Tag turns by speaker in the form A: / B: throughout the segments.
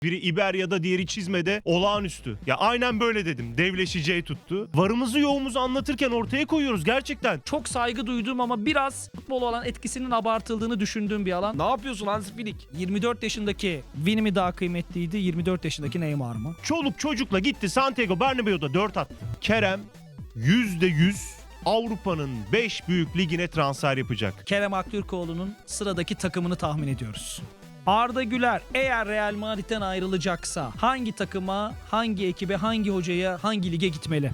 A: Biri İberya'da, diğeri Çizme'de olağanüstü. Ya aynen böyle dedim. Devleşeceği tuttu. Varımızı yoğumuzu anlatırken ortaya koyuyoruz gerçekten.
B: Çok saygı duyduğum ama biraz futbol olan etkisinin abartıldığını düşündüğüm bir alan.
C: Ne yapıyorsun Hansi Flick?
B: 24 yaşındaki Vini mi daha kıymetliydi, 24 yaşındaki Neymar mı?
A: Çoluk çocukla gitti Santiago Bernabéu'da 4 attı. Kerem %100 Avrupa'nın 5 büyük ligine transfer yapacak.
B: Kerem Aktürkoğlu'nun sıradaki takımını tahmin ediyoruz. Arda Güler eğer Real Madrid'den ayrılacaksa hangi takıma, hangi ekibe, hangi hocaya, hangi lige gitmeli?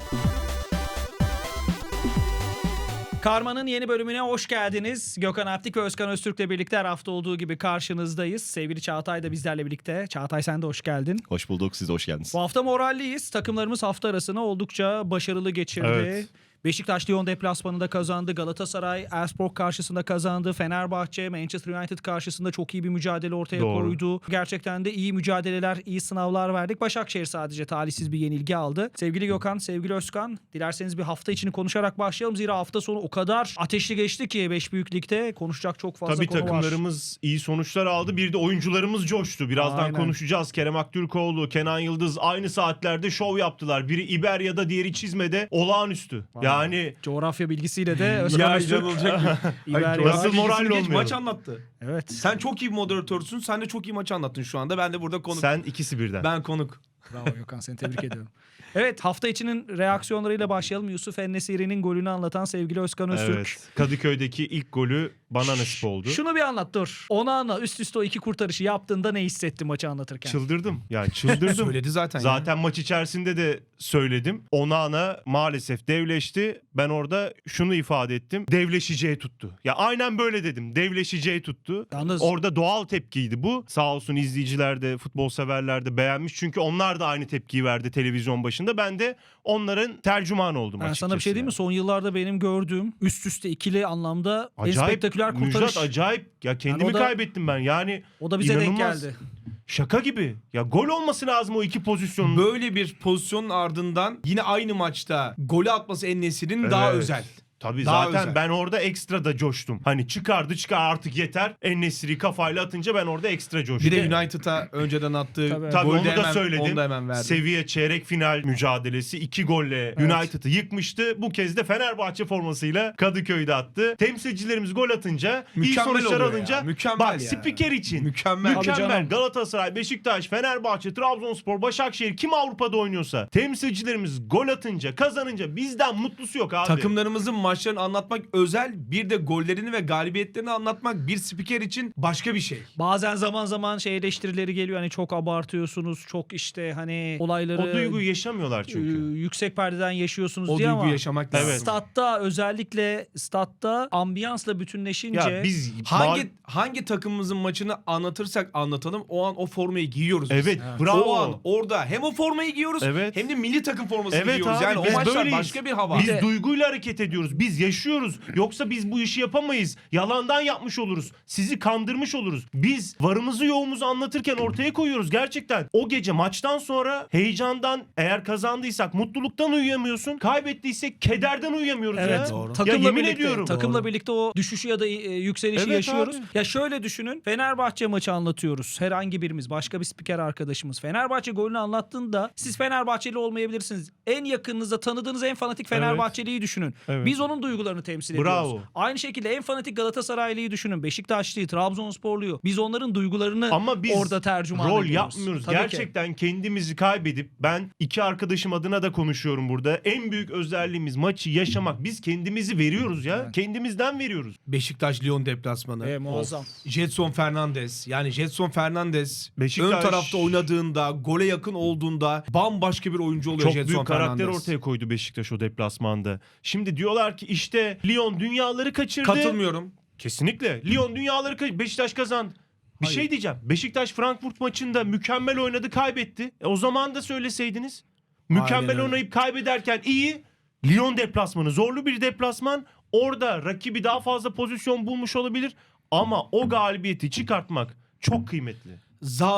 B: Karma'nın yeni bölümüne hoş geldiniz. Gökhan Aptik ve Özkan Öztürk'le birlikte her hafta olduğu gibi karşınızdayız. Sevgili Çağatay da bizlerle birlikte. Çağatay sen de hoş geldin.
D: Hoş bulduk, siz de hoş geldiniz.
B: Bu hafta moralliyiz. Takımlarımız hafta arasını oldukça başarılı geçirdi.
A: Evet.
B: Beşiktaş Lyon deplasmanında kazandı. Galatasaray Elfsborg karşısında kazandı. Fenerbahçe Manchester United karşısında çok iyi bir mücadele ortaya koydu. Gerçekten de iyi mücadeleler, iyi sınavlar verdik. Başakşehir sadece talihsiz bir yenilgi aldı. Sevgili Gökhan, sevgili Özkan, dilerseniz bir hafta içini konuşarak başlayalım. Zira hafta sonu o kadar ateşli geçti ki 5 büyük ligde konuşacak çok fazla
A: Tabii
B: konu var.
A: takımlarımız iyi sonuçlar aldı. Bir de oyuncularımız coştu. Birazdan
B: Aynen.
A: konuşacağız. Kerem Aktürkoğlu, Kenan Yıldız aynı saatlerde şov yaptılar. Biri İberya'da, diğeri Çizme'de olağanüstü. Yani
B: Coğrafya bilgisiyle de Özkan Öztürk.
C: inanılacak.
B: İberya.
A: Nasıl moral
C: Geç
A: olmayalım?
C: maç anlattı.
B: Evet.
C: Sen çok iyi bir moderatörsün. Sen de çok iyi maçı anlattın şu anda. Ben de burada konuk.
A: sen ikisi birden.
C: Ben konuk.
B: Bravo Gökhan, seni tebrik ediyorum. Evet, hafta içinin reaksiyonlarıyla başlayalım. Yusuf En-Nesyri'nin golünü anlatan sevgili Özkan Öztürk.
A: Evet. Kadıköy'deki ilk golü bana nasip oldu.
B: Şunu bir anlat dur. Onana üst üste o iki kurtarışı yaptığında ne hissetti maçı anlatırken?
A: Çıldırdım. Yani çıldırdım.
C: Söyledi zaten.
A: Zaten maç içerisinde de söyledim. Onana maalesef devleşti. Ben orada şunu ifade ettim. Devleşeceği tuttu. Ya aynen böyle dedim. Devleşeceği tuttu.
B: Yalnız-
A: Orada doğal tepkiydi bu. Sağ olsun izleyiciler de, futbol severler de beğenmiş. Çünkü onlar da aynı tepkiyi verdi televizyon başında. Ben de onların tercümanı oldum
B: Ben
A: açıkçası.
B: sana bir şey diyeyim mi?
A: yani.
B: Son yıllarda benim gördüğüm üst üste ikili anlamda en spektaküler kurtarış.
A: Müjdat acayip. Ya kendimi
B: Yani o da-
A: kaybettim ben. Yani
B: O da bize denk
A: inanılmaz.
B: geldi.
A: Şaka gibi. Ya gol olması lazım o iki pozisyonun.
C: Böyle bir pozisyonun ardından yine aynı maçta golü atması En-Nesyri'nin daha
A: Evet.
C: özel.
A: Tabii
C: Daha
A: zaten
C: özel.
A: ben orada ekstra da coştum. Hani çıkar artık yeter. En-Nesyri kafayla atınca ben orada ekstra coştum.
C: Bir de United'a önceden attığı
B: Tabii
A: onu da
C: hemen,
A: söyledim.
C: Onu da hemen verdi.
A: Seviye çeyrek final mücadelesi 2 golle United'ı yıkmıştı. Bu kez de Fenerbahçe formasıyla Kadıköy'de attı. Temsilcilerimiz gol atınca, iyi
C: Mükemmel
A: sonuçlar
C: oluyor ya,
A: alınca
C: mükemmel
A: bak
C: ya.
A: spiker için
C: Mükemmel.
B: Tabii canım.
A: mükemmel. Galatasaray, Beşiktaş, Fenerbahçe, Trabzonspor, Başakşehir kim Avrupa'da oynuyorsa temsilcilerimiz gol atınca, kazanınca bizden mutlusu yok abi.
C: Takımlarımızın maçlarını anlatmak özel, bir de gollerini ve galibiyetlerini anlatmak bir spiker için başka bir şey.
B: Bazen zaman zaman şey eleştirileri geliyor. Hani çok abartıyorsunuz. Çok işte hani olayları
A: O duyguyu yaşamıyorlar çünkü.
B: yüksek perdeden yaşıyorsunuz
C: O
B: diye
C: duyguyu
B: ama
C: yaşamak lazım.
A: Evet.
B: statta özellikle statta ambiyansla bütünleşince
A: Ya biz
C: Hangi takımımızın maçını anlatırsak anlatalım o an o formayı giyiyoruz biz.
A: Evet,
B: Evet.
A: bravo.
C: O an orada hem o formayı giyiyoruz
A: Evet.
C: hem de milli takım formasını
A: Evet
C: giyiyoruz.
A: abi,
C: Yani o
A: biz
C: maçlar
A: böyleyiz.
C: başka bir hava.
A: Biz
B: de-
A: duyguyla hareket ediyoruz. Biz yaşıyoruz. Yoksa biz bu işi yapamayız. Yalandan yapmış oluruz. Sizi kandırmış oluruz. Biz varımızı yoğumuzu anlatırken ortaya koyuyoruz gerçekten. O gece maçtan sonra heyecandan eğer kazandıysak mutluluktan uyuyamıyorsun. Kaybettiysek kederden uyuyamıyoruz
B: evet,
A: ya.
C: Doğru.
A: Ya
B: takımla
A: yemin
B: birlikte,
A: ediyorum.
B: takımla birlikte o düşüşü ya da yükselişi
A: Evet
B: yaşıyoruz.
A: abi.
B: Ya şöyle düşünün. Fenerbahçe maçı anlatıyoruz. Herhangi birimiz, başka bir spiker arkadaşımız. Fenerbahçe golünü anlattığında siz Fenerbahçeli olmayabilirsiniz. En yakınınızda tanıdığınız en fanatik Fenerbahçeliyi düşünün.
A: Evet.
B: Biz onun duygularını temsil
A: Bravo.
B: ediyoruz. Aynı şekilde en fanatik Galatasaraylıyı düşünün. Beşiktaşlıyı, Trabzonsporluyu. Biz onların duygularını
A: Ama biz
B: orada tercüman
A: rol
B: ediyoruz.
A: yapmıyoruz.
B: Tabii ki.
A: Gerçekten kendimizi kaybedip ben iki arkadaşım adına da konuşuyorum burada. En büyük özelliğimiz maçı yaşamak. Biz kendimizi veriyoruz ya.
B: Evet.
A: Kendimizden veriyoruz.
C: Beşiktaş Lyon deplasmanı.
B: Muazzam.
C: Jetson Fernandes. Yani Jetson Fernandes
A: Beşiktaş-
C: ön tarafta oynadığında, gole yakın olduğunda bambaşka bir oyuncu oluyor
A: Çok
C: Jetson
A: büyük karakter
C: Fernandes.
A: ortaya koydu Beşiktaş o deplasmanda. Şimdi diyorlar ki işte Lyon dünyaları kaçırdı.
C: Katılmıyorum.
A: Kesinlikle. Lyon dünyaları kaçırdı. Beşiktaş kazandı. Bir
C: Hayır.
A: şey diyeceğim. Beşiktaş Frankfurt maçında mükemmel oynadı, kaybetti. O zaman da söyleseydiniz. Mükemmel
C: öyle.
A: oynayıp kaybederken iyi. Lyon deplasmanı zorlu bir deplasman. Orada rakibi daha fazla pozisyon bulmuş olabilir. Ama o galibiyeti çıkartmak çok kıymetli.
C: Zaha'nın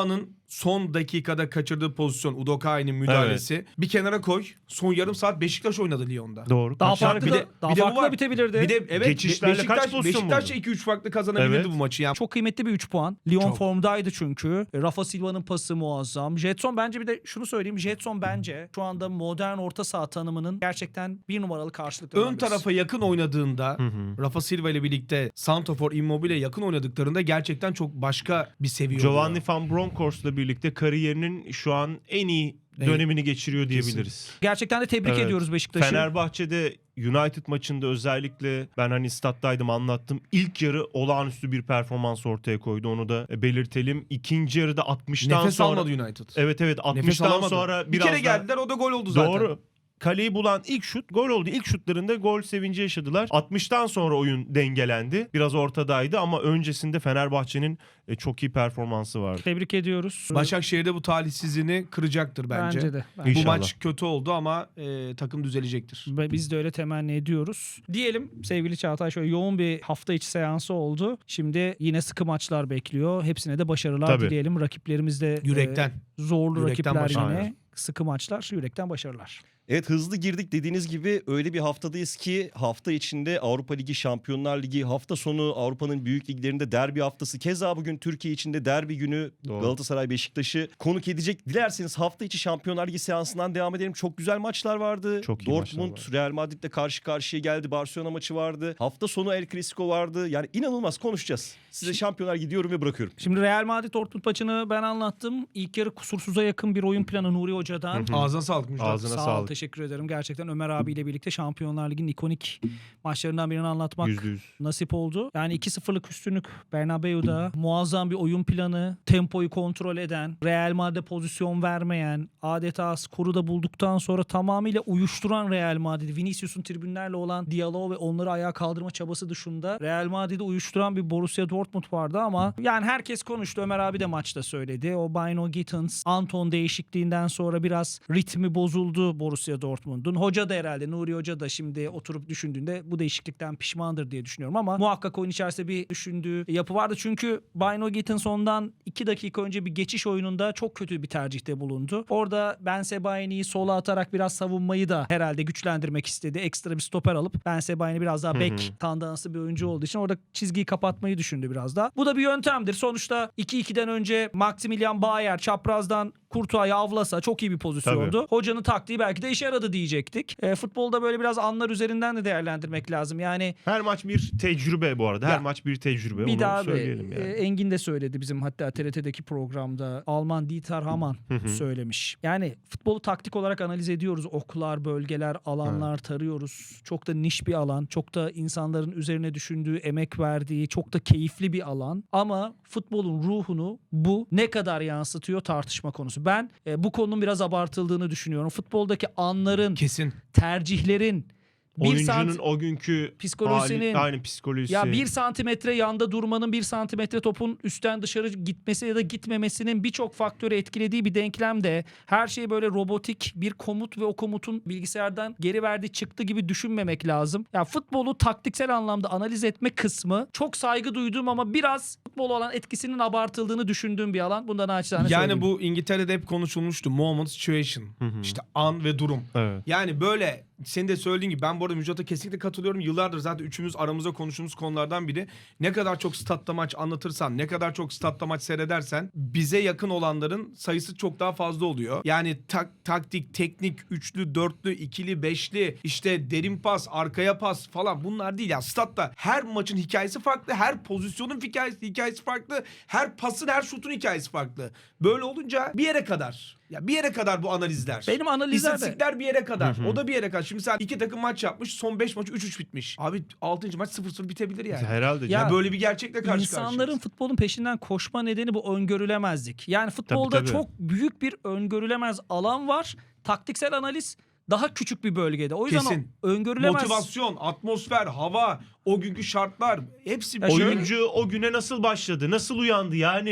C: son dakikada kaçırdığı pozisyon Udokai'nin müdahalesi. Bir kenara koy. Son yarım saat Beşiktaş oynadı Lyon'da.
A: Doğru.
B: Daha
A: Kaç
B: farklı
A: tane-
B: da, daha farklı da bitebilirdi.
C: Bir de evet
A: Geçişlerle kaç pozisyon
C: Beşiktaş
A: buldu?
C: 2-3 farklı kazanabilirdi
A: Evet.
C: bu maçı. Yani
B: Çok kıymetli bir 3 puan. Lyon
C: Çok.
B: formdaydı çünkü. Rafa Silva'nın pası muazzam. Jetson bence, bir de şunu söyleyeyim. Jetson bence şu anda modern orta saha tanımının gerçekten bir numaralı karşılıklı.
C: ön tarafa yakın oynadığında Rafa Silva ile birlikte Santrafor Immobile yakın oynadıklarında gerçekten çok başka bir seviye
A: Giovanni
C: oluyor.
A: Van Bronckhorst'la birlikte kariyerinin şu an en iyi dönemini geçiriyor diyebiliriz.
B: Gerçekten de tebrik
A: Evet.
B: ediyoruz Beşiktaş'ı.
A: Fenerbahçe'de United maçında özellikle ben hani stat'taydım anlattım. İlk yarı olağanüstü bir performans ortaya koydu. Onu da belirtelim. İkinci yarıda 60'tan
C: Nefes
A: sonra
C: almadı United.
A: Evet
C: Nefes
A: 60'tan
C: alamadı.
A: sonra
C: bir
A: biraz
C: kere
A: daha-
C: geldiler, o da gol oldu zaten.
A: Doğru. Kaleyi bulan ilk şut gol oldu. İlk şutlarında gol sevinci yaşadılar. 60'tan sonra oyun dengelendi. Biraz ortadaydı ama öncesinde Fenerbahçe'nin çok iyi performansı vardı.
B: Tebrik ediyoruz.
C: Başakşehir'de bu talihsizliğini kıracaktır bence.
B: Bence de.
C: Bu
A: İnşallah.
C: maç kötü oldu ama takım düzelecektir.
B: Ve biz de öyle temenni ediyoruz. Diyelim sevgili Çağatay, şöyle yoğun bir hafta içi seansı oldu. Şimdi yine sıkı maçlar bekliyor. Hepsine de başarılar
A: Tabii.
B: dileyelim. Rakiplerimiz de
C: Yürekten.
B: zorlu
C: Yürekten
B: rakipler
C: başarılar.
B: yine. Sıkı maçlar, yürekten başarılar.
D: Evet, hızlı girdik, dediğiniz gibi öyle bir haftadayız ki hafta içinde Avrupa Ligi, Şampiyonlar Ligi, hafta sonu Avrupa'nın büyük liglerinde derbi haftası. Keza bugün Türkiye içinde derbi günü
A: Doğru.
D: Galatasaray Beşiktaş'ı konuk edecek. Dilerseniz hafta içi Şampiyonlar Ligi seansından devam edelim. Çok güzel maçlar vardı.
A: Çok iyi
D: Dortmund
A: maçlar
D: Real Madrid'le karşı karşıya geldi. Barcelona maçı vardı. Hafta sonu El Clasico vardı. Yani inanılmaz konuşacağız. Size Şampiyonlar gidiyorum ve bırakıyorum.
B: Şimdi Real Madrid Dortmund maçını ben anlattım. İlk yarı kusursuza yakın bir oyun planı Nuri Hoca'dan.
C: Ağzına sağlık Müjdat.
A: Ağzına
B: Sağ ol,
A: sağlık.
B: teşekkür ederim. Gerçekten Ömer abiyle birlikte Şampiyonlar Ligi'nin ikonik maçlarından birini anlatmak
A: %100.
B: nasip oldu. Yani 2-0'lık üstünlük Bernabeu'da, muazzam bir oyun planı, tempoyu kontrol eden, Real Madrid'e pozisyon vermeyen, adeta skoru da bulduktan sonra tamamıyla uyuşturan Real Madrid. Vinicius'un tribünlerle olan diyaloğu ve onları ayağa kaldırma çabası dışında Real Madrid'i uyuşturan bir Borussia Dortmund vardı ama yani herkes konuştu. Ömer abi de maçta söyledi. O Bino Gittins, Anton değişikliğinden sonra biraz ritmi bozuldu Borussia Dortmund'un. Hoca da herhalde, Nuri Hoca da şimdi oturup düşündüğünde bu değişiklikten pişmandır diye düşünüyorum ama muhakkak oyun içerisinde bir düşündüğü yapı vardı. Çünkü Bino Gittins ondan 2 dakika önce bir geçiş oyununda çok kötü bir tercihte bulundu. Orada Ben Sebaini'yi sola atarak biraz savunmayı da herhalde güçlendirmek istedi. Ekstra bir stoper alıp Ben Sebaini biraz daha bek tandanslı bir oyuncu olduğu için orada çizgiyi kapatmayı düşündü biraz daha. Bu da bir yöntemdir. Sonuçta 2-2'den önce Maximilian Bayer çaprazdan Courtois'u avlasa çok iyi bir pozisyondu.
A: Tabii.
B: Hocanın taktiği belki de işe yaradı diyecektik. Futbolda böyle biraz anlar üzerinden de değerlendirmek lazım. Yani
A: Her maç bir tecrübe bu arada. Her
B: Ya,
A: maç bir tecrübe.
B: bir
A: Onu
B: daha
A: söyleyelim yani.
B: Engin de söyledi bizim hatta TRT'deki programda. Alman Dieter Hamann söylemiş. Yani futbolu taktik olarak analiz ediyoruz. Oklar, bölgeler, alanlar tarıyoruz. Çok da niş bir alan. Çok da insanların üzerine düşündüğü, emek verdiği, çok da keyifli bir alan. Ama futbolun ruhunu bu ne kadar yansıtıyor tartışma konusu. Ben bu konunun biraz abartıldığını düşünüyorum. Futboldaki anların,
C: Kesin.
B: tercihlerin,
A: Oyuncunun o günkü
B: psikolojisinin-
A: hali, aynı psikolojisi.
B: ya 1 santimetre yanda durmanın, 1 santimetre topun üstten dışarı gitmesi ya da gitmemesinin birçok faktörü etkilediği bir denklemde her şey böyle robotik bir komut ve o komutun bilgisayardan geri verdiği çıktı gibi düşünmemek lazım. Ya futbolu taktiksel anlamda analiz etme kısmı çok saygı duyduğum ama biraz futbol olan etkisinin abartıldığını düşündüğüm bir alan. Bundan naçizane söyleyeyim.
C: Yani bu İngiltere'de hep konuşulmuştu. Moment, situation. İşte an ve durum.
A: Evet.
C: Yani böyle senin de söylediğin gibi ben bu arada Müjdat'a kesinlikle katılıyorum. Yıllardır zaten üçümüz aramızda konuştuğumuz konulardan biri. Ne kadar çok statta maç anlatırsan, ne kadar çok statta maç seyredersen bize yakın olanların sayısı çok daha fazla oluyor. Yani taktik, teknik, üçlü, dörtlü, ikili, beşli, işte derin pas, arkaya pas falan bunlar değil ya. Statta her maçın hikayesi farklı, her pozisyonun hikayesi farklı, her pasın, her şutun hikayesi farklı. Böyle olunca bir yere kadar. Ya bir yere kadar bu analizler.
B: Benim analizler de-
C: İstatistikler bir yere kadar. O da bir yere kadar. Şimdi sen iki takım maç yapmış. Son 5 maç 3-3 bitmiş. Abi 6. maç 0-0 bitebilir yani.
A: Herhalde.
B: Ya-
C: Ya böyle bir gerçekle karşı
B: İnsanların
C: karşıyayız.
B: futbolun peşinden koşma nedeni bu öngörülemezlik. Yani futbolda
A: Tabii.
B: çok büyük bir öngörülemez alan var. Taktiksel analiz daha küçük bir bölgede. O yüzden
C: Kesin.
B: o öngörülemez.
C: Motivasyon, atmosfer, hava, o günkü şartlar hepsi
B: Ya şöyle-
A: Oyuncu o güne nasıl başladı? Nasıl uyandı? Yani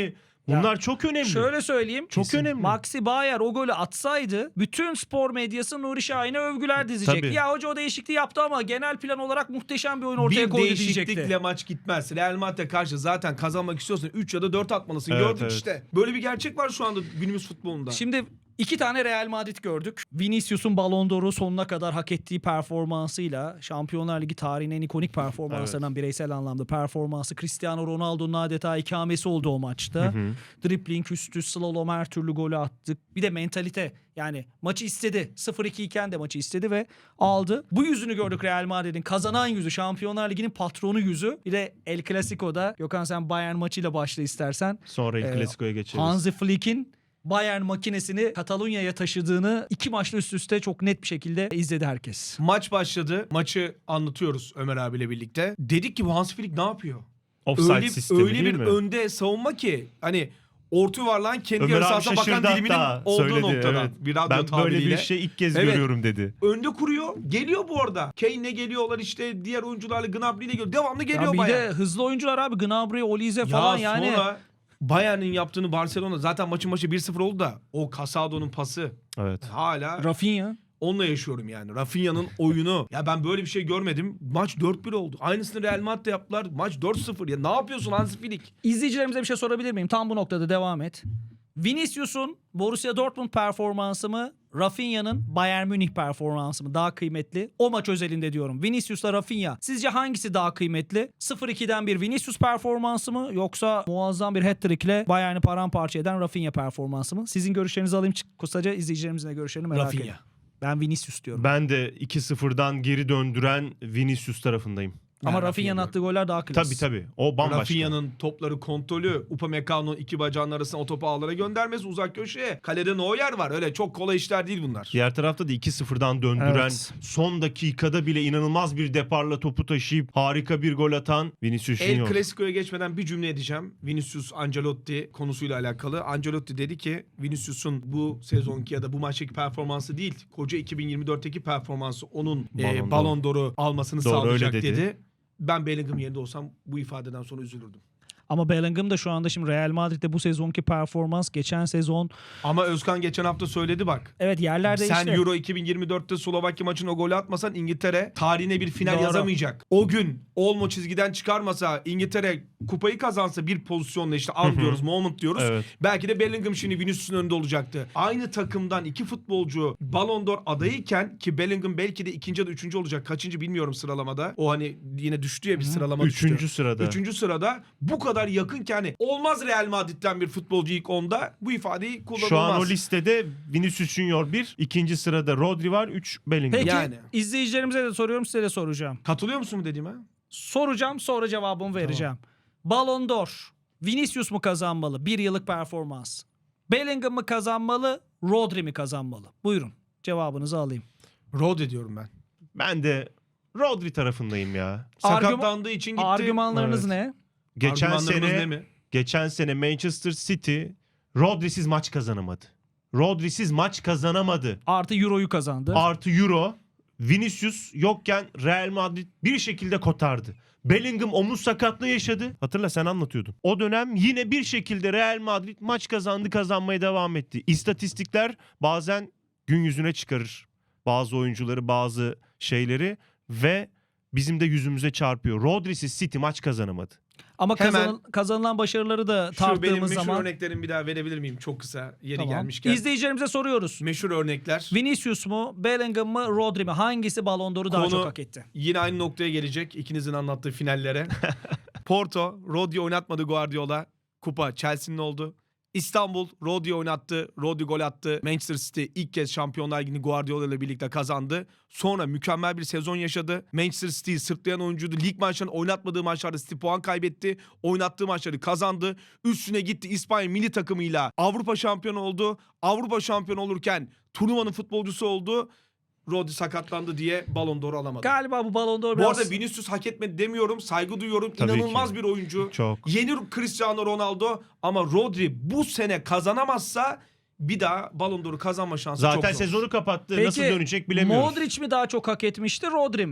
A: Bunlar çok önemli.
B: Şöyle söyleyeyim.
A: Çok önemli.
B: Maxi Bayer o golü atsaydı bütün spor medyası Nuri Şahin'e övgüler dizecek.
A: Tabii.
B: Ya hoca o değişikliği yaptı ama genel plan olarak muhteşem bir oyun ortaya
C: Bir
B: koydu
C: değişiklikle
B: diyecekti.
C: maç gitmez. Real Madrid'e karşı zaten kazanmak istiyorsan 3 ya da 4 atmalısın.
A: Evet,
C: Gördük
A: evet.
C: işte. Böyle bir gerçek var şu anda günümüz futbolunda.
B: Şimdi 2 tane Real Madrid gördük. Vinicius'un Ballon d'Or'u sonuna kadar hak ettiği performansıyla Şampiyonlar Ligi tarihinin en ikonik performanslarından bireysel anlamda performansı, Cristiano Ronaldo'nun adeta ikamesi oldu o maçta. Dribbling üstü, slalom her türlü golü attık. Bir de mentalite, yani maçı istedi. 0-2 iken de maçı istedi ve aldı. Bu yüzünü gördük Real Madrid'in. Kazanan yüzü, Şampiyonlar Ligi'nin patronu yüzü. Bir de El Clasico'da, Gökhan sen Bayern maçıyla başla istersen.
A: Sonra El Clasico'ya geçeriz.
B: Hansi Flick'in Bayern makinesini Katalunya'ya taşıdığını 2 maçla üst üste çok net bir şekilde izledi herkes.
C: Maç başladı. Maçı anlatıyoruz Ömer abiyle birlikte. Dedik ki bu Hans Flick ne yapıyor?
A: Offside sistemi
C: öyle
A: değil
C: bir
A: mi?
C: önde savunma ki hani orta yuvarlağın kendi
A: Ömer
C: yarı
A: abi
C: sahasına bakan
A: şaşırdı
C: diliminin
A: hatta.
C: olduğu
A: Söyledi,
C: noktadan.
A: evet.
C: Bir radyo
A: Ben böyle
C: tabiriyle.
A: bir şey ilk kez
C: Evet.
A: görüyorum dedi.
C: Önde kuruyor. Geliyor bu arada. Kane'le geliyorlar işte. Diğer oyuncularla Gnabry'le geliyor. Devamlı
B: Ya
C: geliyor
B: bir
C: Bayern.
B: de hızlı oyuncular abi, Gnabry, Olise
C: Ya
B: falan yani.
C: sonra Bayern'in yaptığını Barcelona zaten maçın başı 1-0 oldu da o Casado'nun pası
A: Evet.
C: hala
B: Rafinha.
C: onunla yaşıyorum yani. Rafinha'nın oyunu. Ya ben böyle bir şey görmedim. Maç 4-1 oldu. Aynısını Real Madrid'de yaptılar. Maç 4-0. Ya ne yapıyorsun Hansi Flick?
B: İzleyicilerimize bir şey sorabilir miyim? Tam bu noktada devam et. Vinicius'un Borussia Dortmund performansı mı, Rafinha'nın Bayern Münih performansı mı daha kıymetli? O maç özelinde diyorum. Vinicius'la Rafinha. Sizce hangisi daha kıymetli? 0-2'den bir Vinicius performansı mı, yoksa muazzam bir hat-trick'le Bayern'i paramparça eden Rafinha performansı mı? Sizin görüşlerinizi alayım kısaca, izleyicilerimizin de görüşlerini merak
C: Rafinha.
B: ediyorum. Ben Vinicius diyorum.
A: Ben de 2-0'dan geri döndüren Vinicius tarafındayım.
B: Ama
C: Yani
B: Rafinha'nın
C: Rafinha
B: attığı goller daha klas.
A: Tabii. O bambaşka.
C: Rafinha'nın topları kontrolü, Upamecano'nun iki bacağının arasına o topu ağlara göndermesi, uzak köşeye. Kalede Neuer var. Öyle çok kolay işler değil bunlar.
A: Diğer tarafta da 2-0'dan döndüren,
B: Evet.
A: son dakikada bile inanılmaz bir deparla topu taşıyıp harika bir gol atan Vinicius
C: El
A: Junior.
C: Clasico'ya geçmeden bir cümle edeceğim. Vinicius Ancelotti konusuyla alakalı. Ancelotti dedi ki Vinicius'un bu sezonki ya da bu maçtaki performansı değil, koca 2024'teki performansı onun Ballon d'Or'u almasını
A: Doğru,
C: sağlayacak
A: öyle dedi.
C: dedi. Ben Bellingham yerinde olsam bu ifadeden sonra üzülürdüm.
B: Ama Bellingham da şu anda şimdi Real Madrid'de bu sezonki performans geçen sezon,
C: Ama Özkan geçen hafta söyledi bak.
B: evet yerlerde
C: Sen
B: işte.
C: Euro 2024'te Slovakya maçına o golü atmasan İngiltere tarihine bir final
B: Doğru.
C: yazamayacak. O gün Olmo çizgiden çıkarmasa, İngiltere kupayı kazansa bir pozisyonla, işte an diyoruz, moment diyoruz.
A: Evet.
C: Belki de Bellingham şimdi Vinicius'un önünde olacaktı. Aynı takımdan iki futbolcu Ballon d'Or adayıyken, ki Bellingham belki de ikinci ya da üçüncü olacak. Kaçıncı bilmiyorum sıralamada. O hani yine düştü ya, bir sıralama düştü.
A: Üçüncü sırada.
C: Üçüncü sırada bu kadar yakın ki hani olmaz Real Madrid'den bir futbolcu ilk 10'da, bu ifadeyi kullanılmaz.
A: Şu an o listede Vinicius Junior 1, ikinci sırada Rodri var, 3 Bellingham.
B: Peki
C: Yani.
B: izleyicilerimize de soruyorum, size de soracağım.
C: Katılıyor musun bu dediğime?
B: Soracağım, sonra cevabımı vereceğim. Ballon d'Or Vinicius mu kazanmalı? 1 yıllık performans. Bellingham mı kazanmalı? Rodri mi kazanmalı? Buyurun, cevabınızı alayım.
C: Rodri diyorum ben.
A: Ben de Rodri tarafındayım ya.
C: Sakatlandığı için gitti.
B: Argümanlarınız
A: Evet.
B: ne?
C: Argümanlarımız ne mi?
A: Geçen sene Manchester City Rodri'siz maç kazanamadı. Rodri'siz maç kazanamadı.
B: Artı Euro'yu kazandı.
A: Artı Euro. Vinicius yokken Real Madrid bir şekilde kotardı. Bellingham omuz sakatlığı yaşadı. Hatırla, sen anlatıyordun. O dönem yine bir şekilde Real Madrid maç kazandı, kazanmaya devam etti. İstatistikler bazen gün yüzüne çıkarır bazı oyuncuları, bazı şeyleri ve bizim de yüzümüze çarpıyor. Rodri'siz City maç kazanamadı.
B: Ama
C: Hemen-
B: kazanılan başarıları da
C: Şu benim
B: tarttığımız
C: meşhur
B: zaman.
C: örneklerimi bir daha verebilir miyim? Çok kısa yeri
B: Tamam.
C: gelmişken.
B: İzleyicilerimize soruyoruz.
C: Meşhur örnekler.
B: Vinicius mu, Bellingham mı, Rodri mi? Hangisi Ballon d'Or'u daha
C: Konu-
B: çok hak etti?
C: Yine aynı noktaya gelecek ikinizin anlattığı finallere. Porto, Rodri oynatmadı Guardiola. Kupa Chelsea'nin oldu. İstanbul, Rodri oynattı. Rodri gol attı. Manchester City ilk kez Şampiyonlar Ligi'ni Guardiola ile birlikte kazandı. Sonra mükemmel bir sezon yaşadı. Manchester City'yi sırtlayan oyuncuydu. Lig maçlarını oynatmadığı maçlarda City puan kaybetti. Oynattığı maçları kazandı. Üstüne gitti İspanya milli takımıyla Avrupa şampiyonu oldu. Avrupa şampiyonu olurken turnuvanın futbolcusu oldu. Rodri sakatlandı diye Ballon d'Or alamadı.
B: Galiba bu Ballon d'Or
C: Bu
B: biraz...
C: arada Vinicius hak etmedi demiyorum. Saygı duyuyorum.
A: Tabii
C: İnanılmaz
A: ki.
C: bir oyuncu.
A: Çok.
C: Yeni Cristiano Ronaldo, ama Rodri bu sene kazanamazsa bir daha Ballon d'Or'u kazanma şansı çok
A: Zaten
C: zor.
A: sezonu kapattı.
B: Peki,
A: Nasıl dönecek bilemiyoruz.
B: Modric mi daha çok hak etmişti, Rodri mi?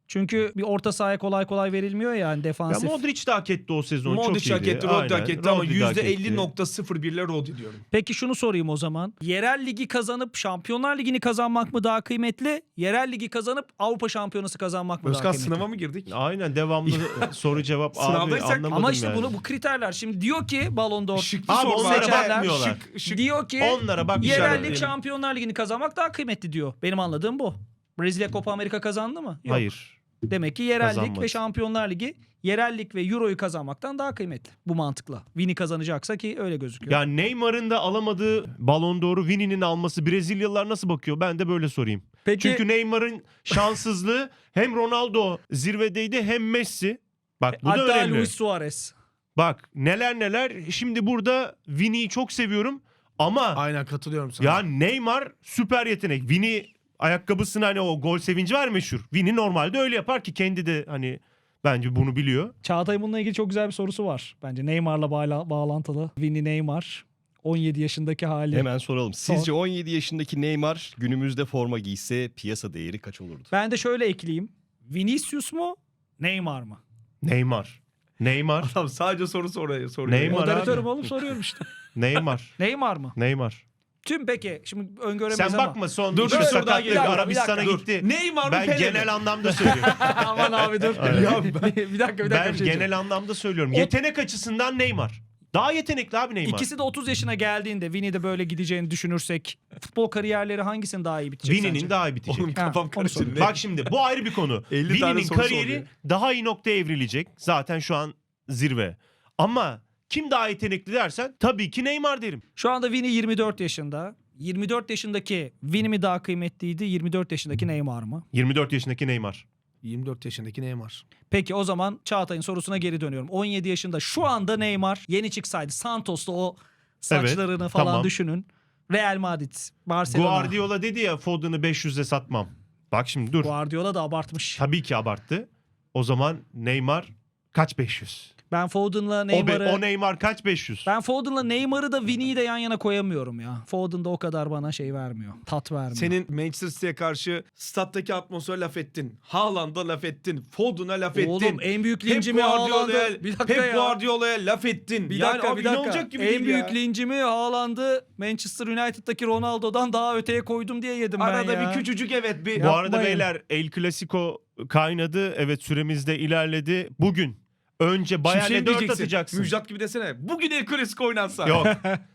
B: Çünkü bir orta sahaya kolay kolay verilmiyor ya yani
A: Ya
B: defansif.
A: Modric de hak etti o sezon. Çok
C: Modric
A: iyiydi.
C: hak etti, Rodri hak
A: Aynen,
C: etti ama
A: Rodri de hak etti.
C: %50.01'le Rodri diyorum.
B: Peki şunu sorayım o zaman. Yerel ligi kazanıp Şampiyonlar Ligi'ni kazanmak mı daha kıymetli? Yerel ligi kazanıp Avrupa Şampiyonası kazanmak mı daha
C: Özkan
B: kıymetli?
C: sınava mı girdik?
A: Aynen devamlı soru cevap abi
C: Sınavdaysak-
A: anlamadım
B: Ama işte
A: yani.
B: bu kriterler. Şimdi diyor ki Ballon d'Or
C: Şıklı
A: Abi
C: soru
A: onlara
C: var.
A: bakmıyorlar.
C: Şık.
B: diyor ki
A: Onlara bak
B: yerel lig
A: işaretleyelim.
B: Şampiyonlar Ligi'ni kazanmak daha kıymetli diyor. Benim anladığım bu. Brezilya Copa Amerika kazandı mı? Yok.
A: Hayır.
B: Demek ki yerel lig
A: Kazanmadı.
B: ve Şampiyonlar Ligi yerel lig ve Euro'yu kazanmaktan daha kıymetli. Bu mantıkla. Vini kazanacaksa ki öyle gözüküyor.
A: Ya Neymar'ın da alamadığı Ballon d'Or'u Vini'nin alması Brezilyalılar nasıl bakıyor? Ben de böyle sorayım.
B: Peki
A: Çünkü Neymar'ın şanssızlığı hem Ronaldo zirvedeydi hem Messi. Bak bu da
B: hatta
A: önemli.
B: Luis Suarez.
A: Bak neler. Şimdi burada Vini'yi çok seviyorum ama
C: Aynen katılıyorum sana.
A: ya Neymar süper yetenek. Vini ayakkabısına hani o gol sevinci var meşhur. Vini normalde öyle yapar ki kendi de hani bence bunu biliyor.
B: Çağatay bununla ilgili çok güzel bir sorusu var. Bence Neymar'la bağlantılı. Vini Neymar 17 yaşındaki hali.
D: Hemen soralım. Sizce 17 yaşındaki Neymar günümüzde forma giyse piyasa değeri kaç olurdu?
B: Ben de şöyle ekleyeyim. Vinicius mu? Neymar mı?
A: Neymar.
C: Adam sadece soru soruyor.
A: Neymar
B: Moderatörüm
A: abi.
B: oğlum soruyorum işte.
A: Neymar.
B: Neymar mı?
A: Neymar.
B: Tüm peki şimdi öngöremeyiz
A: Sen
B: ama.
A: bakma son
C: Dur,
A: iki
C: dur, dur,
A: sakatlık
C: daha geliyor.
A: Arabistan'a
B: Bir dakika,
A: gitti.
C: Neymar mı
A: Ben
C: Pele mi?
A: genel anlamda söylüyorum.
B: Aman abi dur.
A: Aynen.
B: bir dakika.
A: Ben
B: bir şey diyeceğim.
A: genel anlamda söylüyorum. Yetenek açısından Neymar. Daha yetenekli abi Neymar.
B: İkisi de 30 yaşına geldiğinde Vini de böyle gideceğini düşünürsek futbol kariyerleri hangisinin daha iyi bitecek
A: Vini'nin
B: sence?
A: daha iyi bitecek.
C: Oğlum kafam
B: onu
C: karıştı.
B: soruyorum.
A: Bak şimdi bu ayrı bir konu.
C: 50 tane
A: Vini'nin
C: soru
A: kariyeri
C: soruyor.
A: daha iyi noktaya evrilecek. Zaten şu an zirve. Ama kim daha yetenekli dersen tabii ki Neymar derim.
B: Şu anda Vini 24 yaşında. 24 yaşındaki Vini mi daha kıymetliydi? 24 yaşındaki Neymar mı?
A: 24 yaşındaki Neymar.
C: 24 yaşındaki Neymar.
B: Peki o zaman Çağatay'ın sorusuna geri dönüyorum. 17 yaşında şu anda Neymar yeni çıksaydı Santos'ta o saçlarını
A: Evet,
B: falan
A: tamam.
B: düşünün. Real Madrid, Barcelona.
A: Guardiola dedi ya Foden'ı 500'e satmam. Bak şimdi dur.
B: Guardiola da abartmış.
A: Tabii ki abarttı. O zaman Neymar kaç 500?
B: Ben Foden'la
A: O,
B: Neymar'ı...
A: o Neymar kaç 500?
B: Ben Foden'la Neymar'ı da Vini'yi de yan yana koyamıyorum ya. Foden da o kadar bana şey vermiyor. Tat vermiyor.
C: Senin Manchester City'ye karşı stat'taki atmosfere laf ettin. Haaland'a laf ettin. Foden'a laf ettin.
B: Oğlum en büyük
C: Pep
B: lincimi
C: Guardiola'ya,
B: Haaland'ı... Bir dakika
C: Pep
B: ya.
C: Guardiola'ya laf ettin.
B: Bir
C: yani
B: dakika
C: abi
B: bir dakika.
C: inanılacak gibi
B: En
C: değil
B: büyük
C: ya.
B: lincimi Haaland'ı Manchester United'daki Ronaldo'dan daha öteye koydum diye yedim ben
C: Arada
B: ya.
C: bir küçücük evet bir...
A: Bu arada
B: Yapmayın.
A: beyler El Clasico kaynadı. Evet süremiz de ilerledi. Bugün önce Bayern'e
C: Şey
A: 4
C: diyeceksin,
A: atacaksın.
C: Müjdat gibi desene. Bugün El Clasico oynansa.
A: Yok.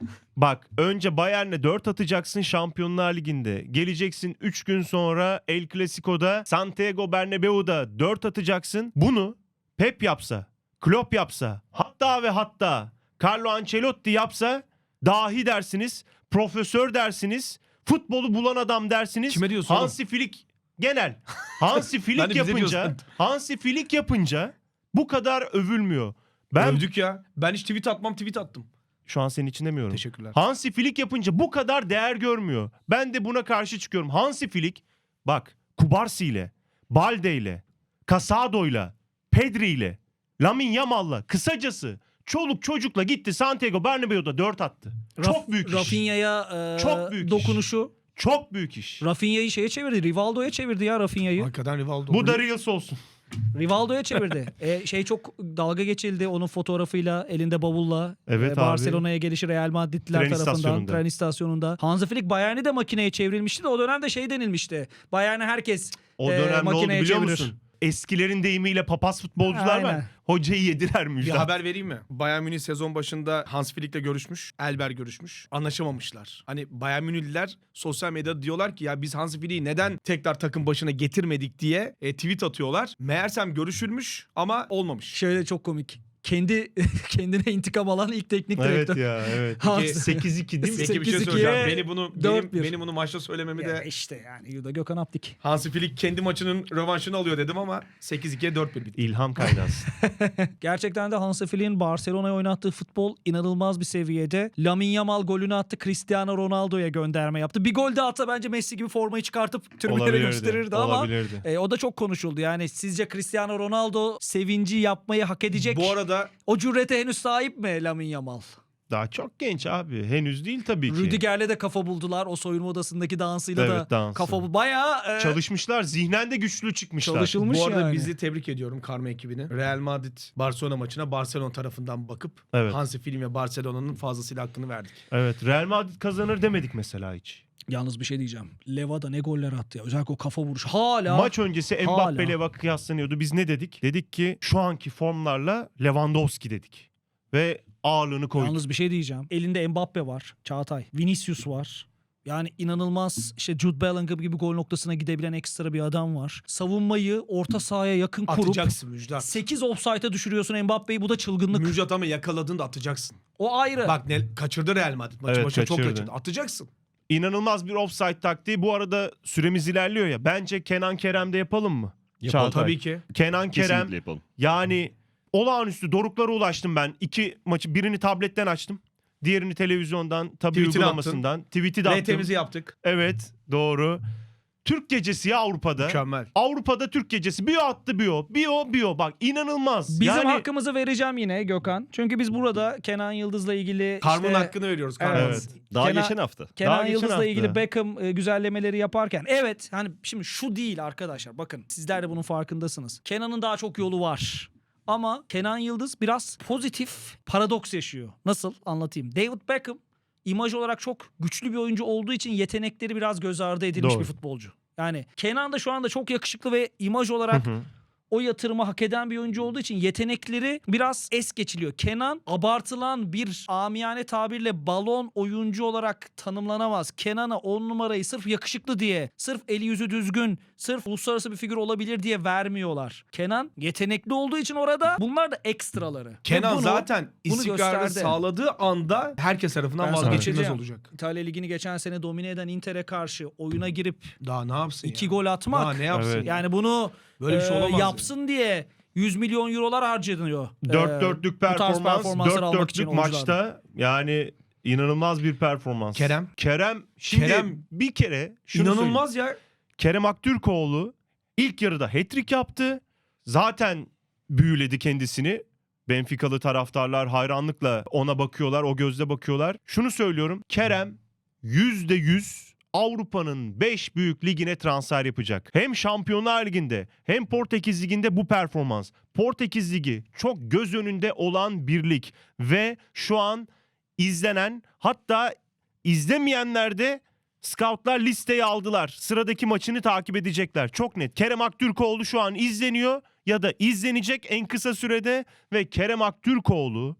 A: Bak önce Bayern'e 4 atacaksın Şampiyonlar Ligi'nde. Geleceksin 3 gün sonra El Clasico'da Santiago Bernabeu'da 4 atacaksın. Bunu Pep yapsa, Klopp yapsa, hatta ve hatta Carlo Ancelotti yapsa dahi dersiniz, profesör dersiniz, futbolu bulan adam dersiniz.
C: Kime diyorsun oğlum?
A: Hansi Flick genel. Hansi
C: Ben
A: Flick
C: de bize
A: yapınca,
C: diyorsun.
A: Hansi Flick yapınca bu kadar övülmüyor. Ben
C: Övdük ya. Ben hiç tweet atmam, tweet attım.
A: şu an senin için demiyorum.
C: Teşekkürler.
A: Hansi Flick yapınca bu kadar değer görmüyor. Ben de buna karşı çıkıyorum. Hansi Flick bak Kubarsi ile, Balde ile, Casado ile, Pedri ile, Lamine Yamal'la kısacası çoluk çocukla gitti Santiago Bernabeu'da 4 attı. Çok büyük iş.
B: Rafinha'ya
A: Çok büyük iş.
B: dokunuşu.
A: Çok büyük iş.
B: Rafinha'yı şeye çevirdi. Rivaldo'ya çevirdi ya Rafinha'yı.
C: Hakikaten Rivaldo.
A: Bu da Reels olsun.
B: Rivaldo'ya çevirdi. Şey çok dalga geçildi onun fotoğrafıyla elinde bavulla.
A: Evet abi.
B: Barcelona'ya gelişi Real Madridliler
A: Tren
B: tarafından
A: istasyonunda.
B: tren istasyonunda. Hansi Flick Bayern'i de makineye çevrilmişti de o dönemde şey denilmişti. Bayern'e herkes
A: O dönem ne oldu
B: makineye
A: biliyor
B: çevirir.
A: musun? Eskilerin deyimiyle papaz futbolcular var.
B: Aynen.
A: Hocayı yediler
C: Bir
A: Müjdat.
C: haber vereyim mi? Bayern Münih sezon başında Hans Flick'le görüşmüş. Elber görüşmüş. Anlaşamamışlar. Hani Bayern Münihliler sosyal medyada diyorlar ki ya biz Hans Flick'i neden tekrar takım başına getirmedik diye tweet atıyorlar. Meğersem görüşülmüş ama olmamış.
B: Şöyle çok komik. Kendine intikam alan ilk teknik
A: Evet
B: direktör.
A: ya evet.
B: Hans-
A: 8-2 değil mi?
C: Peki bir şey
B: 8-2'ye
C: söyleyeceğim. Benim
B: 4-1.
C: bunu maçta söylememi
B: Ya
C: de
B: işte yani Yuda Gökhan Aptik.
C: Hansi Flick kendi maçının rövanşını alıyor dedim ama 8-2'ye 4-1 bitti.
A: İlham kaynağısı.
B: Gerçekten de Hansi Flick'in Barcelona'ya oynattığı futbol inanılmaz bir seviyede. Lamine Yamal golünü attı. Cristiano Ronaldo'ya gönderme yaptı. Bir gol de atsa bence Messi gibi formayı çıkartıp tribünlere gösterirdi ama
A: Olabilirdi.
B: o da çok konuşuldu. Yani sizce Cristiano Ronaldo sevinci yapmayı hak edecek
C: Bu arada
B: o cürete henüz sahip mi Lamine Yamal?
A: Daha çok genç abi. Henüz değil tabii ki.
B: Rüdiger'le de kafa buldular. O soyunma odasındaki dansıyla da
A: Evet, dansı.
B: kafa bayağı
A: Çalışmışlar. Zihnen de güçlü çıkmışlar.
B: çalışılmış
C: Bu arada
B: yani.
C: bizi tebrik ediyorum Karma ekibini. Real Madrid Barcelona maçına Barcelona tarafından bakıp
A: Evet.
C: Hansi Flick ve Barcelona'nın fazlasıyla hakkını verdik.
A: Evet. Real Madrid kazanır demedik mesela hiç.
B: Yalnız bir şey diyeceğim. Leva da ne goller attı ya. Özellikle o kafa vuruşu. Hala.
A: Maç öncesi
B: Hala.
A: Mbappe Leva kıyaslanıyordu. Biz ne dedik? Dedik ki şu anki formlarla Lewandowski dedik. Ve ağırlığını koyduk.
B: Yalnız bir şey diyeceğim. Elinde Mbappe var. Çağatay. Vinicius var. Yani inanılmaz işte Jude Bellingham gibi gol noktasına gidebilen ekstra bir adam var. Savunmayı orta sahaya yakın kurup
C: Atacaksın Müjdat.
B: 8 offside'a düşürüyorsun Mbappe'yi. Bu da çılgınlık.
C: Müjdat ama yakaladın da atacaksın.
B: O ayrı.
C: Bak ne kaçırdı Real Madrid maçı.
A: Evet,
C: Maçı çok
A: kaçırdı.
C: kaçırdı. Atacaksın.
A: İnanılmaz bir offside taktiği. Bu arada süremiz ilerliyor ya. Bence Kenan Kerem'de yapalım mı?
D: Yapalım.
A: Çağatay.
C: Tabii ki.
A: Kenan Kerem
D: Kesinlikle yapalım.
A: yani olağanüstü doruklara ulaştım ben. 2 maçı, birini tabletten açtım. Diğerini televizyondan, tabii
C: Tweetini
A: uygulamasından. Tweet'i de attım.
C: RT'mizi yaptık.
A: Evet, doğru. Türk gecesi ya Avrupa'da.
C: Mükemmel.
A: Avrupa'da Türk gecesi. Bir o attı bir o. Bir o. Bak inanılmaz.
B: Bizim
A: yani,
B: hakkımızı vereceğim yine Gökhan. Çünkü biz burada Kenan Yıldız'la ilgili
C: Karm'ın
B: işte
C: hakkını veriyoruz. Karm'ın.
A: Evet.
D: Daha
B: Kenan-
D: geçen hafta.
B: Kenan
A: Daha geçen
B: Yıldız'la
A: hafta.
B: ilgili Beckham güzellemeleri yaparken evet hani şimdi şu değil arkadaşlar bakın sizler de bunun farkındasınız. Kenan'ın daha çok yolu var. Ama Kenan Yıldız biraz pozitif paradoks yaşıyor. Nasıl anlatayım? David Beckham imaj olarak çok güçlü bir oyuncu olduğu için yetenekleri biraz göz ardı edilmiş
A: Doğru.
B: bir futbolcu. Yani Kenan da şu anda çok yakışıklı ve imaj olarak
A: Hı hı.
B: o yatırımı hak eden bir oyuncu olduğu için yetenekleri biraz es geçiliyor. Kenan abartılan bir amiyane tabirle balon oyuncu olarak tanımlanamaz. Kenan'a 10 numarayı sırf yakışıklı diye, sırf eli yüzü düzgün, sırf uluslararası bir figür olabilir diye vermiyorlar. Kenan yetenekli olduğu için orada bunlar da ekstraları. Ve
C: Kenan
B: bunu-
C: zaten
B: bunu
C: istikrarı
B: gösterdi.
C: sağladığı anda herkes tarafından
B: Ben sana
C: vazgeçilmez
B: söyleyeceğim.
C: olacak.
B: İtalya Ligi'ni geçen sene domine eden Inter'e karşı oyuna girip
C: Daha ne yapsın
B: 2
C: ya?
B: gol atmak.
C: Daha ne yapsın?
A: Evet.
C: ya?
B: Yani bunu
C: Böyle bir şey olamaz
B: yapsın diye 100 milyon eurolar harcanıyor.
A: 4-4'lük
B: bu tarz
A: performans,
B: performansları almak için
A: 4-4'lük maçta yani inanılmaz bir performans.
C: Kerem.
A: Şimdi
C: Kerem
A: bir kere şunu söyleyeyim.
C: İnanılmaz ya.
A: Kerem Aktürkoğlu ilk yarıda hat-trick yaptı. Zaten büyüledi kendisini. Benficalı taraftarlar hayranlıkla ona bakıyorlar, o gözle bakıyorlar. Şunu söylüyorum, Kerem %100 Avrupa'nın 5 büyük ligine transfer yapacak. Hem Şampiyonlar Ligi'nde hem Portekiz Ligi'nde bu performans. Portekiz Ligi çok göz önünde olan bir lig ve şu an izlenen, hatta izlemeyenler de scoutlar listeye aldılar. Sıradaki maçını takip edecekler. Çok net. Kerem Aktürkoğlu şu an izleniyor ya da izlenecek en kısa sürede ve Kerem Aktürkoğlu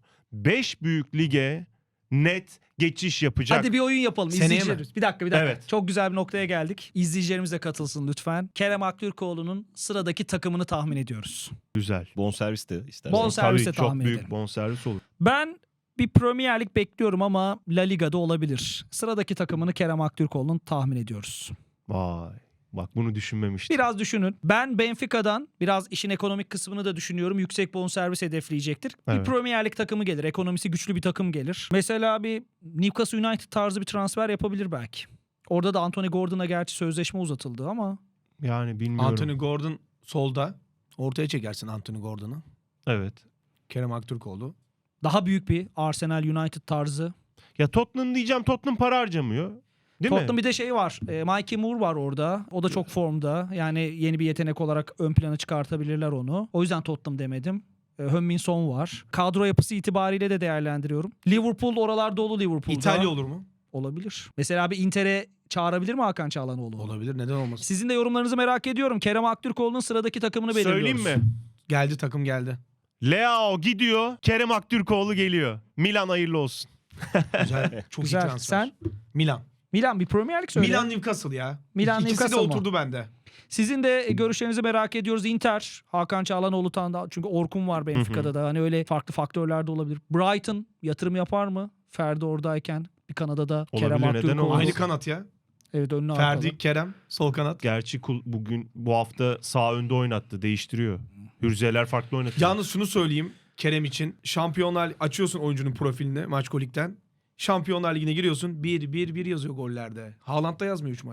A: 5 büyük lige net geçiş yapacak.
B: Hadi bir oyun yapalım.
C: Seneye mi?
B: İzleyicilerimiz. Bir dakika.
A: Evet.
B: Çok güzel bir noktaya geldik. İzleyicilerimiz de katılsın lütfen. Kerem Aktürkoğlu'nun sıradaki takımını tahmin ediyoruz.
A: Güzel.
D: Bonservis de istersen.
B: Bonservis de
A: Tabii çok
B: tahmin
A: büyük
B: edelim.
A: bonservis olur.
B: Ben bir Premier Lig bekliyorum ama La Liga'da olabilir. Sıradaki takımını Kerem Aktürkoğlu'nun tahmin ediyoruz.
A: Vay. Bak bunu düşünmemiştim.
B: Biraz düşünün. Ben Benfica'dan biraz işin ekonomik kısmını da düşünüyorum. Yüksek bonservis hedefleyecektir.
A: Evet.
B: Bir Premier Lig takımı gelir. Ekonomisi güçlü bir takım gelir. Mesela bir Newcastle United tarzı bir transfer yapabilir belki. Orada da Anthony Gordon'a gerçi sözleşme uzatıldı ama
A: Yani bilmiyorum.
C: Anthony Gordon solda. Ortaya çekersin Anthony Gordon'u.
A: Evet.
C: Kerem Aktürkoğlu.
B: daha büyük bir Arsenal United tarzı.
A: Ya Tottenham diyeceğim. Tottenham para harcamıyor. Değil
B: Tottenham
A: mi?
B: bir de şey var. Mikey Moore var orada. O da çok formda. Yani yeni bir yetenek olarak ön plana çıkartabilirler onu. O yüzden Tottenham demedim. Heung-min Son var. Kadro yapısı itibariyle de değerlendiriyorum. Liverpool oralar dolu Liverpool'da.
C: İtalya olur mu?
B: Olabilir. Mesela bir Inter'e çağırabilir mi Hakan Çağlanoğlu?
C: Olabilir. Neden olmasın?
B: Sizin de yorumlarınızı merak ediyorum. Kerem Aktürkoğlu'nun sıradaki takımını belirliyoruz.
A: Söyleyeyim mi?
C: Geldi takım geldi.
A: Leao gidiyor. Kerem Aktürkoğlu geliyor. Milan hayırlı olsun.
C: Güzel. Çok iyi
B: Güzel.
C: transfer.
B: Sen?
C: Milan.
B: Milan bir Premier Lig söyle.
C: Milan Newcastle ya.
B: Milan
C: İkisi
B: Newcastle
C: de
B: mı?
C: oturdu bende.
B: Sizin de görüşlerinizi merak ediyoruz. Inter, Hakan Çağlanoğlu da çünkü Orkun var Benfica'da da. Hani öyle farklı faktörler de olabilir. Brighton yatırım yapar mı? Ferdi oradayken bir Kanada'da Kerem
A: Olabilir, neden
B: Aktürkoğlu.
A: olmasın?
C: Aynı kanat ya.
B: Evet önüne
C: Ferdi,
B: arkalı.
C: Kerem, sol kanat.
A: Gerçi bu hafta sağ önde oynattı. Değiştiriyor. Hürziyeler farklı oynatıyor.
C: Yalnız şunu söyleyeyim Kerem için. Şampiyonlar açıyorsun oyuncunun profilini Maçkolik'ten. Şampiyonlar Ligi'ne giriyorsun. 1-1-1 yazıyor gollerde. Haaland da yazmıyor 3 maç.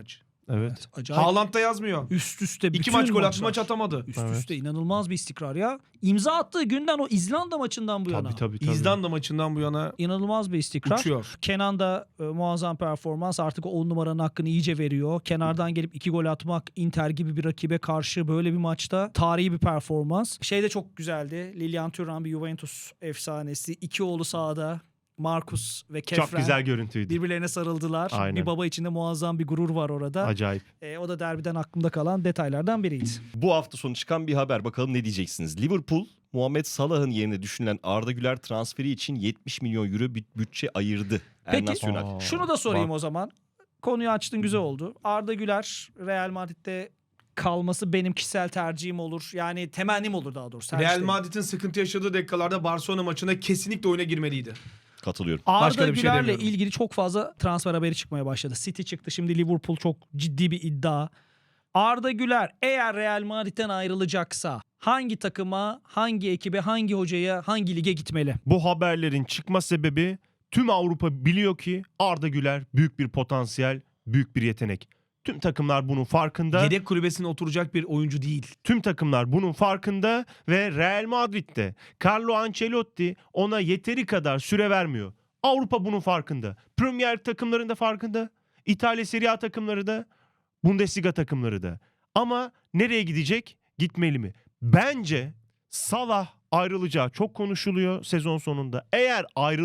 A: Evet.
B: Acayip.
C: Haaland da yazmıyor.
B: Üst üste
C: 2
B: bütün
C: maç gol attı,
B: maçlar.
C: maç atamadı.
B: Üst
A: Evet.
B: üste inanılmaz bir istikrar ya. İmza attığı günden o İzlanda maçından bu yana.
A: Tabii.
C: İzlanda maçından bu yana
B: İnanılmaz bir istikrar.
C: uçuyor.
B: Kenan da muazzam performans, artık o 10 numaranın hakkını iyice veriyor. Kenardan gelip 2 gol atmak, Inter gibi bir rakibe karşı böyle bir maçta tarihi bir performans. Şey de çok güzeldi. Lilian Thuram bir Juventus efsanesi. 2 oğlu sahada. Marcus ve Kefren.
A: Çok güzel görüntüydü.
B: Birbirlerine sarıldılar.
A: Aynen.
B: Bir baba içinde muazzam bir gurur var orada.
A: Acayip.
B: O da derbiden aklımda kalan detaylardan biriydi.
D: Bu hafta sonu çıkan bir haber. Bakalım ne diyeceksiniz? Liverpool, Muhammed Salah'ın yerine düşünülen Arda Güler transferi için 70 milyon euro bir bütçe ayırdı.
B: Peki,
D: El Nacional.
B: Şunu da sorayım
A: Bak.
B: o zaman. Konuyu açtın, güzel oldu. Arda Güler Real Madrid'de kalması benim kişisel tercihim olur. Yani temennim olur daha doğrusu. Tercih
C: Real
B: değil.
C: Madrid'in sıkıntı yaşadığı dakikalarda Barcelona maçında kesinlikle oyuna girmeliydi.
D: Katılıyorum.
C: Başka
B: Arda
C: da bir şey
B: Güler'le
C: demiyorum.
B: ilgili çok fazla transfer haberi çıkmaya başladı. City çıktı, şimdi Liverpool, çok ciddi bir iddia. Arda Güler eğer Real Madrid'den ayrılacaksa hangi takıma, hangi ekibe, hangi hocaya, hangi lige gitmeli?
A: Bu haberlerin çıkma sebebi tüm Avrupa biliyor ki Arda Güler büyük bir potansiyel, büyük bir yetenek. Tüm takımlar bunun farkında.
C: Yedek kulübesine oturacak bir oyuncu değil.
A: Tüm takımlar bunun farkında ve Real Madrid'de Carlo Ancelotti ona yeteri kadar süre vermiyor. Avrupa bunun farkında. Premier Lig takımlarında farkında. İtalya Serie A takımları da, Bundesliga takımları da. Ama nereye gidecek? Gitmeli mi? Bence Salah ayrılacağı çok konuşuluyor sezon sonunda. Eğer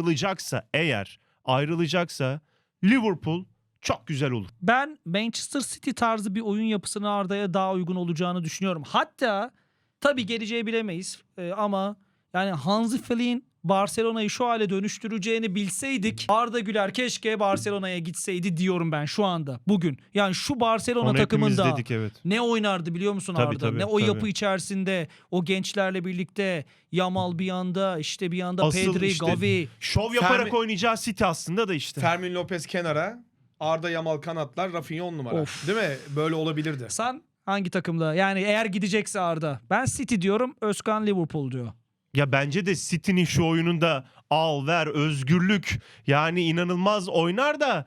A: ayrılacaksa Liverpool çok güzel olur.
B: Ben Manchester City tarzı bir oyun yapısını Arda'ya daha uygun olacağını düşünüyorum. Hatta tabii geleceği bilemeyiz ama yani Hansi Flick'in Barcelona'yı şu hale dönüştüreceğini bilseydik Arda Güler keşke Barcelona'ya gitseydi diyorum ben şu anda, bugün. Yani şu Barcelona
A: Onu hepimiz
B: takımında
A: dedik, evet.
B: ne oynardı biliyor musun
A: Tabii,
B: Arda?
A: tabii,
B: Ne o
A: tabii.
B: yapı içerisinde o gençlerle birlikte Yamal bir yanda, işte bir yanda
A: Asıl
B: Pedri,
A: işte
B: Gavi.
A: şov yaparak
C: Fermi-
A: oynayacağı City aslında da işte.
C: Fermin Lopez kenara, Arda Yamal kanatlar, Rafinha 10 numara.
B: Of.
C: Değil mi? Böyle olabilirdi.
B: Sen hangi takımda? Yani eğer gidecekse Arda. Ben City diyorum, Özkan Liverpool diyor.
A: Ya bence de City'nin şu oyununda al ver özgürlük yani inanılmaz oynar da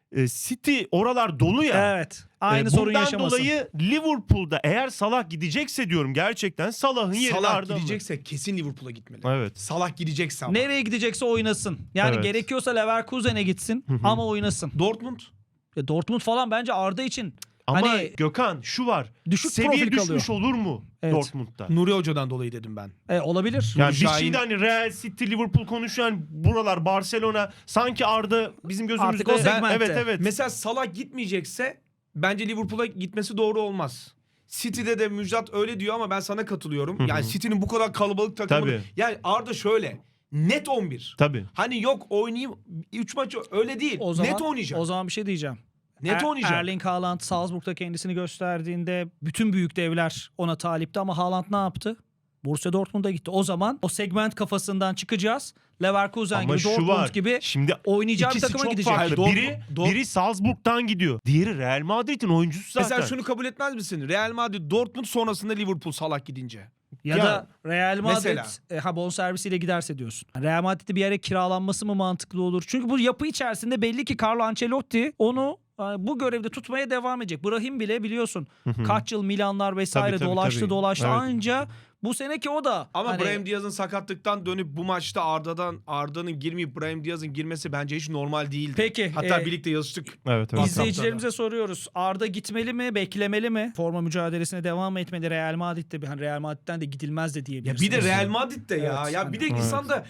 A: City oralar dolu ya.
B: Evet. Aynı sorun
A: Bundan
B: yaşamasın.
A: dolayı Liverpool'da eğer Salah gidecekse diyorum gerçekten Salah'ın yerine
C: Salah
A: Arda alır.
C: gidecekse kesin Liverpool'a gitmeli.
A: Evet.
C: Salah gidecekse ama.
B: Nereye gidecekse oynasın. Yani
A: Evet.
B: gerekiyorsa Leverkusen'e gitsin ama oynasın.
C: Dortmund.
B: Dortmund falan bence Arda için
A: Ama
B: hani
A: Gökhan şu var.
B: düşük
A: Seviye
B: profil
A: düşmüş
B: kalıyor.
A: olur mu
B: Evet.
A: Dortmund'da?
C: Nuri Hoca'dan dolayı dedim ben.
B: Olabilir.
A: Yani
C: Nuri
A: biz
C: Şahin-
A: şimdi hani Real City, Liverpool konuşuyan buralar, Barcelona sanki Arda bizim gözümüzde.
B: Artık o segmentte.
A: Evet evet.
C: Mesela Salah gitmeyecekse bence Liverpool'a gitmesi doğru olmaz. City'de de Müjdat öyle diyor ama ben sana katılıyorum. Yani City'nin bu kadar kalabalık takımı.
A: Tabii.
C: Yani Arda şöyle. Net 11.
A: Tabii.
C: Hani yok oynayayım 3 maç öyle değil.
B: O zaman,
C: Net oynayacak.
B: O zaman bir şey diyeceğim.
C: Net oynayacak.
B: Erling Haaland Salzburg'da kendisini gösterdiğinde bütün büyük devler ona talipti ama Haaland ne yaptı? Borussia Dortmund'a gitti. O zaman o segment kafasından çıkacağız. Leverkusen
A: Ama
B: gibi,
A: şu
B: Dortmund
A: var.
B: gibi
A: Şimdi
B: oynayacağı bir
C: ikisi
B: takıma
C: çok
B: gidecek.
C: farklı.
A: biri Salzburg'dan gidiyor. Diğeri Real Madrid'in oyuncusu zaten.
C: Mesela şunu kabul etmez misin? Real Madrid, Dortmund sonrasında Liverpool Salah gidince.
B: Ya
A: Ya,
B: da Real Madrid
C: mesela.
B: bonservisiyle giderse diyorsun. Real Madrid'de bir yere kiralanması mı mantıklı olur? Çünkü bu yapı içerisinde belli ki Carlo Ancelotti onu bu görevde tutmaya devam edecek. Brahim bile biliyorsun kaç yıl Milanlar vesaire
A: Tabii,
B: dolaştı.
A: Evet.
B: Anca bu seneki o da.
C: Ama
B: hani,
C: Brahim Diaz'ın sakatlıktan dönüp bu maçta Arda'nın girmeyip Brahim Diaz'ın girmesi bence hiç normal değildi.
B: Peki,
C: Hatta birlikte yazıştık.
A: Evet evet.
B: İzleyicilerimize soruyoruz. Arda gitmeli mi, beklemeli mi? Forma mücadelesine devam etmeli Real Madrid'de. Hani Real Madrid'den de gidilmez de
C: Ya
B: diyebiliriz.
C: bir de Real Madrid'de ya.
B: Evet,
C: Ya bir de
B: hani-
C: insan da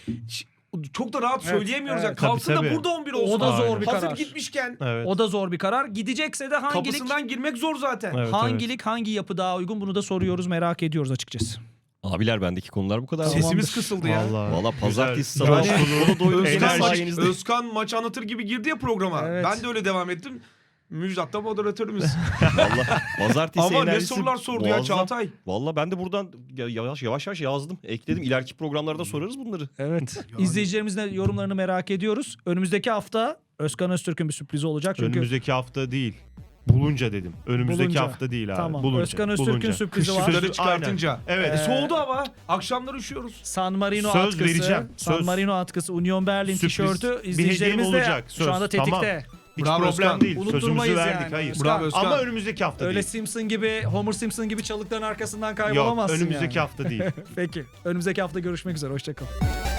C: çok da rahat söyleyemiyoruz ya.
B: evet.
C: Kalsın
A: Tabii,
C: da
A: tabii.
C: burada 11 olsun.
B: O da zor
A: Aynen.
B: bir
C: Hazır
B: karar.
C: gitmişken
A: Evet.
B: O da zor bir karar. Gidecekse de hangi lig,
C: kapısından girmek zor zaten.
A: Evet,
B: hangi lig, hangi yapı daha uygun, bunu da soruyoruz, merak ediyoruz açıkçası.
D: Abiler bendeki konular bu kadar.
B: Tamamdır.
C: Sesimiz kısıldı ya.
A: Vallahi.
D: Valla pazartesi
A: Güzel.
D: sabah
A: Yani-
D: dolu doydu.
C: Özkan,
A: Enerji.
C: maç, Özkan maç anlatır gibi girdi ya programa.
B: Evet.
C: Ben de öyle devam ettim. Müjdat da moderatörümüz.
D: Valla pazartesi
C: Ama ne
D: enerjisi
C: sorular sordu ya
D: muazzam.
C: Çağatay.
D: Valla ben de buradan yavaş yavaş yazdım. Ekledim. İleriki programlarda sorarız bunları.
B: Evet. İzleyicilerimizin de yorumlarını merak ediyoruz. Önümüzdeki hafta Özkan Öztürk'ün bir sürprizi olacak. Çünkü
A: Önümüzdeki hafta değil. Bulunca dedim. Önümüzdeki
B: Bulunca.
A: hafta değil abi.
B: Tamam.
A: Bulunca.
B: Özkan Öztürk'ün
A: Bulunca.
B: sürprizi var.
C: Kışları
A: Aynen.
C: çıkartınca.
A: Evet.
C: Soğudu hava. Akşamlar üşüyoruz.
B: San Marino
A: Söz
B: atkısı,
A: vereceğim.
B: San
A: Söz.
B: Marino atkısı, Union Berlin
A: Sürpriz
B: tişörtü
A: bir hediyem
B: izleyicilerimiz de
A: olacak.
B: şu
A: Söz.
B: anda tetikte.
A: Hiç
C: Bravo
A: problem
C: Özkan.
A: değil.
B: Unutturmayız
A: Sözümüzü verdik.
B: yani.
A: Hayır.
B: Özkan.
C: Bravo Özkan.
A: Ama önümüzdeki hafta
B: Öyle
A: değil.
B: Simpson gibi, Homer Simpson gibi çalıkların arkasından
A: Yok,
B: kaybolamazsın
A: önümüzdeki
B: yani.
A: hafta değil.
B: Peki. Önümüzdeki hafta görüşmek üzere. Hoşçakalın.